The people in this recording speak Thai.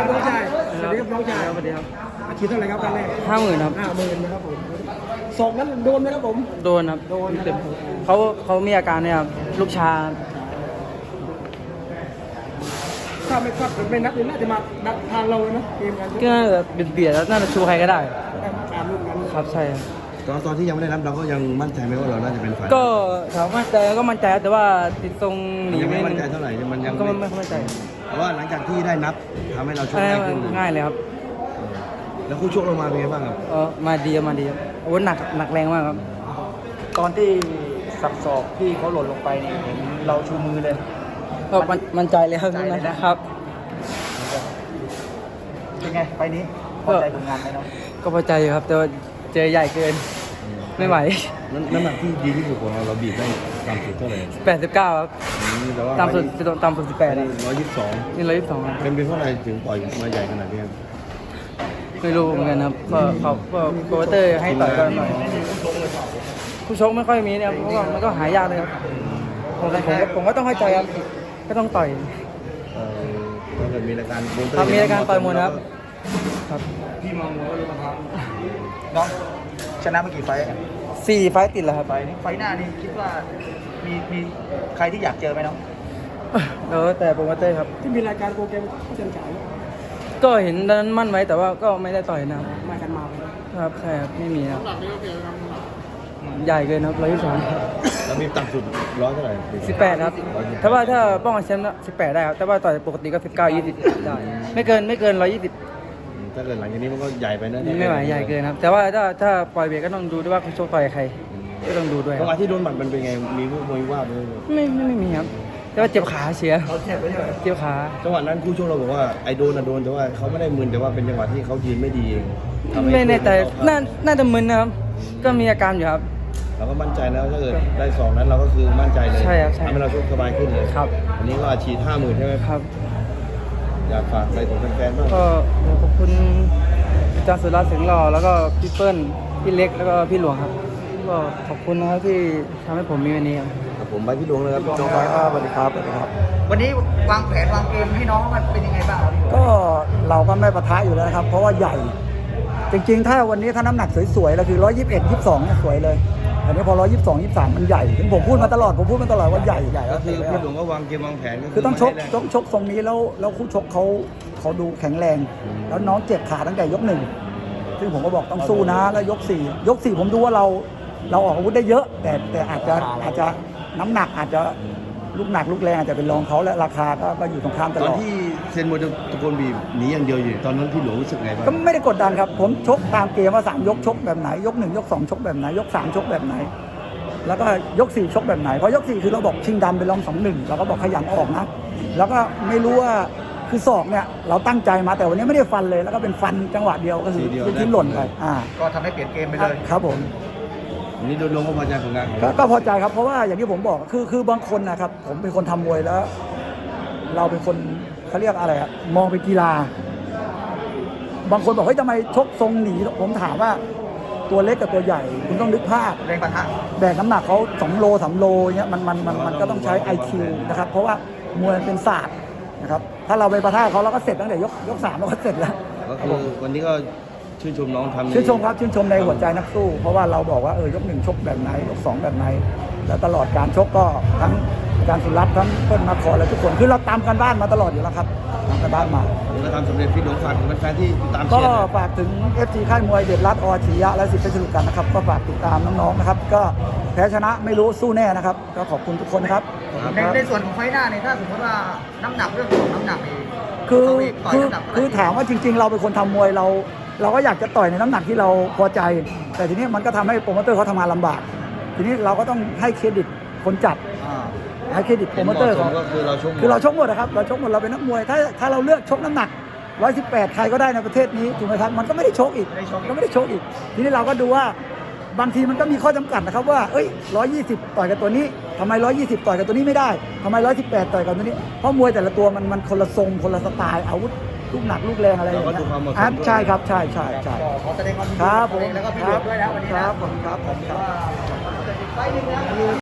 ครับน้องชายสวัสดีครับน้องชายสวัสดีครับอาชีพเท่าไหร่ครับครั้งแรก 50,000 ครับ 50,000นะครับผมศอกนั้นโดนไหมครับผมโดนครับโดนนะเต็มเขามีอาการเนี่ยครับลูกชาถ้าไม่นับเลยน่าจะมานับทางเราเลยนะเกมกันก็น่าจะเบียดแล้วน่าจะชูใครก็ได้ตามลูกนั้นครับใช่ครับตอนที่ยังไม่ได้รับเราก็ยังมั่นใจไหมว่าเราน่าจะเป็นฝ่ายก็ถามว่าแต่ก็มั่นใจครับแต่ว่าติดทรงหนียังไม่ไม่มั่นใจเท่าไหร่มันยังก็ไม่มั่นใจเพราะว่าหลังจากที่ได้นับทำให้เราชกอะไรง่ายขึ้นง่ายเลยครับแล้วคู่ชกเรามาเป็นไงบ้างครับมาดีครับอาวุธหนักแรงมากครับตอนที่สับศอกที่เขาหล่นลงไปเนี่ยเห็นเราชูมือเลยก็มั่นใจเลยครับมั่นใจเลยนะครับเป็นไงไฟล์นี้พอใจผลงานไหมเนาะก็พอใจอยู่ครับแต่ว่าเจอใหญ่เกินไม่ไหวน้ำหนักที่ดีที่สุดของเราบีบได้ต่ำสุดเท่าไหร่ 89ครับแต่ว่าต่ำสุด18ครับ 122 นี่122ครับเป็นเพราะอะไรถึงปล่อยมาใหญ่ขนาดนี้ครับไม่รู้เหมือนกันครับก็เขาก็โปรโมเตอร์ให้ต่อยกันหน่อยผู้ชกไม่ค่อยมีเนี่ยเพราะว่ามันก็หายากเลยครับผมก็ต้องให้ใจครับก็ต้องต่อยถ้าเกิดมีรายการโปรโมเตอครับมีรายการต่อยมวยนะครับครับน้องชนะมากี่ไฟล์กัน 4 ไฟต์ติดแล้วครับไฟล์นี้ไฟล์หน้านี่คิดว่ามีใครที่อยากเจอไหมน้องแล้วแต่โปรโมเตอร์ครับที่มีรายการโปรแกรมเชิญฉายก็เห็นตอนนั้นมั่นไว้แต่ว่าก็ไม่ได้ต่อยนะครับมากันมาครับใช่ครับไม่มีครับใหญ่เกินครับ122 แล้วมีต่ำสุดร้อยเท่าไหร่ 18ครับถ้าว่าถ้าป้องกันแชมป์18ได้ครับแต่ว่าต่อยปกติก็19 20ได้ไม่เกิน120 ถ้าเกิดหลังจากนี้มันก็ใหญ่ไปนะไม่ไหวใหญ่เกินครับแต่ว่าถ้าปล่อยเบรกก็ต้องดูด้วยว่าคุณโชคต่อยใครก็ต้องดูด้วยคจัรับงหวะที่โดนหมัดมันเป็นไงมีมวยว่าด้วยไม่มีครับแต่ว่าเจ็บขาเสียเจ็บขาจังหวะนั้นคู่ชกเราบอกว่าไอ้โดนแต่ว่าเขาไม่ได้มึนแต่ว่าเป็นจังหวะที่เขายืนไม่ดีเองทำให้ไม่แน่ใจน่าจะมึนนะครับก็มีอาการอยู่ครับเราก็มั่นใจแล้วถ้าเกิดได้สองนั้นเราก็คือมั่นใจเลยใช่ครับใช่ทำให้เราชกสบายขึ้นเลยครับอันนี้ก็อาชีพ50,000ใช่ไหมครับอยากฝากอะไรถึงแฟนๆบ้างก็ขอบคุณอาจารย์สุรัตน์เสียงหล่อแล้วก็พี่เปิ้ลพี่เล็กแล้วก็พี่หลวงครับก็ขอบคุณนะครับที่ทำให้ผมมีวันนี้ครับครับผมไปพี่ดวงเลยครับน้องไฟสวัสดีครับวันนี้วางแผนวางเกมให้น้องมันเป็นยังไงบ้างครับพี่ก็เราก็ไม่ปะทะอยู่แล้วนะครับ เพราะว่าใหญ่ จริงๆ ถ้าวันนี้ถ้าน้ำหนักสวยๆเราคือ121 22เนี่ยสวยเลยอันนี้พอ122 23มันใหญ่ถึงผมพูดมาตลอดว่าใหญ่ก็คือพี่ดวงก็วางเกมวางแผนก็คือต้องชกไม่ได้ชกทรงนี้แล้วคู่ชกเขาดูแข็งแรง แล้วน้องเจ็บขาตั้งแต่ยก 1ซึ่งผมก็บอกต้องสู้นะแล้วยก 4ผมดูว่าเราออกอาวุธได้เยอะ แต่อาจจะน้ำหนักอาจจะลูกหนักลูกแรงอาจจะเป็นรองเขาและราคาก็อยู่ตรงข้ามตตลอนอดที่เซนโมตะโกนบีบหนีอย่างเดียวอยู่ตอนนั้นพี่หลวงรู้สึกไงบ้างก็ไม่ได้กดดันครับ ผมชกตามเกมว่า3ยกชกแบบไหนยก1ยก2ชกแบบไหนยก3ชกแบบไหน แล้วก็ยก4ชกแบบไหนเพราะยก4คือเราบอกชิงดำไปลอง2-1เราก็บอกขยันออกนะแล้วก็ไม่รู้ว่าคือศอกเนี่ยเราตั้งใจมาแต่วันนี้ไม่ได้ฟันเลยแล้วก็เป็นฟันจังหวะเดียวก็คือที่หล่นไปก็ทำให้เปลี่ยนเกมไปเลยครับผมอันนี้โดยรวมก็พอใจผลงานของก็พอใจครับเพราะว่าอย่างที่ผมบอกคือบางคนนะครับผมเป็นคนทำมวยแล้ว เราเป็นคนเขาเรียกอะไรอะมองเป็นกีฬา บางคนบอกเฮ้ยทำไมชกทรงหนีผมถามว่าตัวเล็กกับตัวใหญ่ คุณต้องนึกภาพแรงปะทะแบกน้ำหนักเขา2โล3โลเงี้ยมันก็ต้องใช้ IQ นะครับเพราะว่ามวยมันเป็นศาสตร์นะครับถ้าเราไปประท่าเขาเราก็เสร็จตั้งแต่ยก3เราก็เสร็จแล้วก็คือวันนี้ก็ชื่นชมน้องทำชื่นชมครับชื่นชมในหัวใจนักสู้ เพราะว่าเราบอกว่ายก1ชกแบบไหนยก2แบบไหน แล้วตลอดการชกก็ทั้งอาจารย์สุรัตน์ทั้งเปิ้ลนครและทุกคนคือเราตามกันบ้านมาตลอดอยู่แล้วครับตามกันบ้านมาผมก็ทำสำเร็จพี่หลวงฝากถึงแฟนๆที่ตามเชีก็ยร์ฝากถึง FG ค่ายมวยเด็ดรัดอชียะและสิทธิ์เพชรลุกันนะครับก็ฝากติดตามน้องๆนะครับก็แพ้ชนะไม่รู้สู้แน่นะครับก็ขอบคุณทุกคนนะครับในส่วนของไฟล์หน้าเนี่ยถ้าสมมติว่าน้ำหนักเรื่องของน้ำหนักนี่คือถามว่าจริงๆ เราเป็นคนทำมวยเราก็อยากจะต่อยในน้ำหนักที่เราพอใจ แต่ทีนี้มันก็ทำให้โปรโมเตอร์เขาทำงานลำบาก ทีนี้เราก็ต้องให้เครดิตคนจัดให้เครดิตโปรโมเตอร์เขาก็คือเราชกคือเราชกหมดนะครับเราชกหมดเราเป็นนักมวยถ้าเราเลือกชกน้ำหนัก118ใครก็ได้ในประเทศนี้ถูกไหมครับมันก็ไม่ได้ชกอีกก็ไม่ได้ชกอีก ทีนี้เราก็ดูว่าบางทีมันก็มีข้อจำกัดนะครับว่า120ต่อยกับตัวนี้ทำไม120ต่อยกับตัวนี้ไม่ได้ทำไม118ต่อยกับตัวนี้เพราะมวยแต่ละตัวมันคนละทรงคนละสไตล์อาวุธลูกหนักลูกแรงอะไรอย่างเงี้ยใช่ครับใช่ขอแสดงความยินดีครับผมแล้วก็พี่หลวงด้วยนะวันนี้คนะรับผมครับว่าไฟล์หนึ่งนะ